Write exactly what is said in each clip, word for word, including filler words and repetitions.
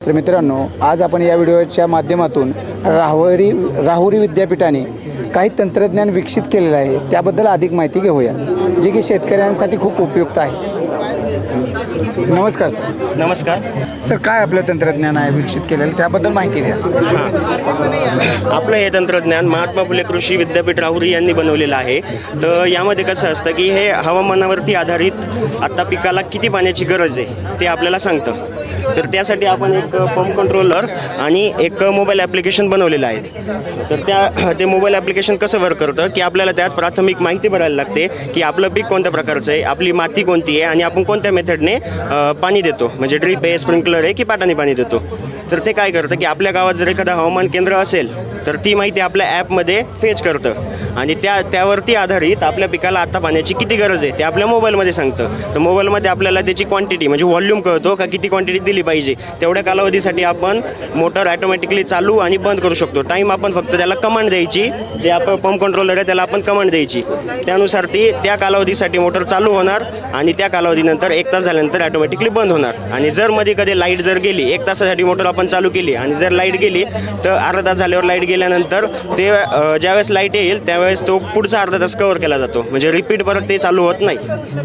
तर मित्रांनो, आज आपण या व्हिडिओच्या माध्यमातून राहुरी राहुरी विद्यापीठाने काही तंत्रज्ञान विकसित केलेलं आहे त्याबद्दल अधिक माहिती घेऊया, जे की शेतकऱ्यांसाठी खूप उपयुक्त आहे. नमस्कार सर. नमस्कार सर, काय आपलं तंत्रज्ञान आहे विकसित केलेलं त्याबद्दल माहिती द्या. हां आपलं हे तंत्रज्ञान महात्मा फुले कृषी विद्यापीठ राहुरी यांनी बनवलेलं आहे. तर यामध्ये कसं असतं की हे हवामानावरती आधारित आत्ता पिकाला किती पाण्याची गरज आहे ते आपल्याला सांगतं. तर त्यासाठी आपण एक पंप कंट्रोलर आणि एक मोबाईल ॲप्लिकेशन बनवलेलं आहे. तर त्या ते मोबाईल ॲप्लिकेशन कसं वर्क करतं की आपल्याला त्यात प्राथमिक माहिती भरायला लागते की आपलं पीक कोणत्या प्रकारचं आहे, आपली माती कोणती आहे आणि आपण कोणत्या मेथडने पाणी देतो, म्हणजे ड्रीप आहे, स्प्रिंकलर आहे की पाटाने पाणी देतो. तर ते काय करतं की आपल्या गावात जर एखादं हवामान केंद्र असेल तर ती माहिती आपल्या ॲपमध्ये फेच करतं आणि त्या त्यावरती आधारित आपल्या पिकाला आत्ता पाण्याची किती गरज आहे ते आपल्या मोबाईलमध्ये सांगतं. तर मोबाईलमध्ये आपल्याला त्याची क्वांटिटी म्हणजे व्हॉल्यूम कळतो का किती क्वांटिटी दिली पाहिजे. तेवढ्या कालावधीसाठी आपण मोटर ॲटोमॅटिकली चालू आणि बंद करू शकतो. टाईम आपण फक्त त्याला कमांड द्यायची, जे आपण पंप कंट्रोलर आहे त्याला आपण कमांड द्यायची, त्यानुसार ती त्या कालावधीसाठी मोटर चालू होणार आणि त्या कालावधीनंतर एक तास झाल्यानंतर ॲटोमॅटिकली बंद होणार. आणि जर मध्ये कधी लाईट जर गेली, एक तासासाठी मोटर आपण चालू केली आणि जर लाईट गेली तर अर्धा तास झाल्यावर लाईट गेल्यानंतर ते ज्यावेळेस लाईट येईल त्यावेळेस तो पुढचा अर्धा तास कव्हर केला जातो, म्हणजे रिपीट परत ते चालू होत नाही.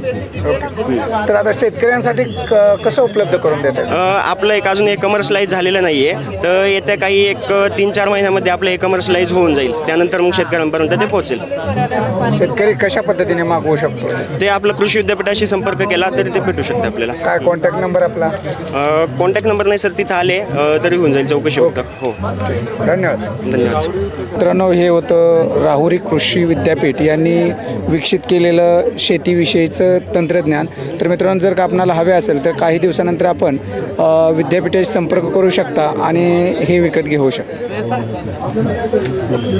तर आता शेतकऱ्यांसाठी क कसं उपलब्ध करून देतात? आपलं एक अजून एक कमर्शलाइज झालेलं नाही आहे. तर येत्या काही एक तीन चार महिन्यामध्ये आपलं हे कमर्शलाइज होऊन जाईल. त्यानंतर मग शेतकऱ्यांपर्यंत ते पोहोचेल. शेतकरी कशा पद्धतीने मागवू शकतो? ते आपलं कृषी विद्यापीठाशी संपर्क केला तरी ते भेटू शकते आपल्याला. काय कॉन्टॅक्ट नंबर आपला? कॉन्टॅक्ट नंबर नाही सर, तिथं आले तरी होऊन जाईल चौकशी फक्त. हो, धन्यवाद. धन्यवाद. मित्रांनो, हे होतं राहुरी कृषी विद्यापीठ यांनी विकसित केलेलं शेतीविषयीचं तंत्रज्ञान. तर मित्रांनो, जर का आपणाला हवे असेल तर काही दिवसानंतर आपण विद्यापीठाशी संपर्क करू शकता आणि हे विकत घेऊ शकता.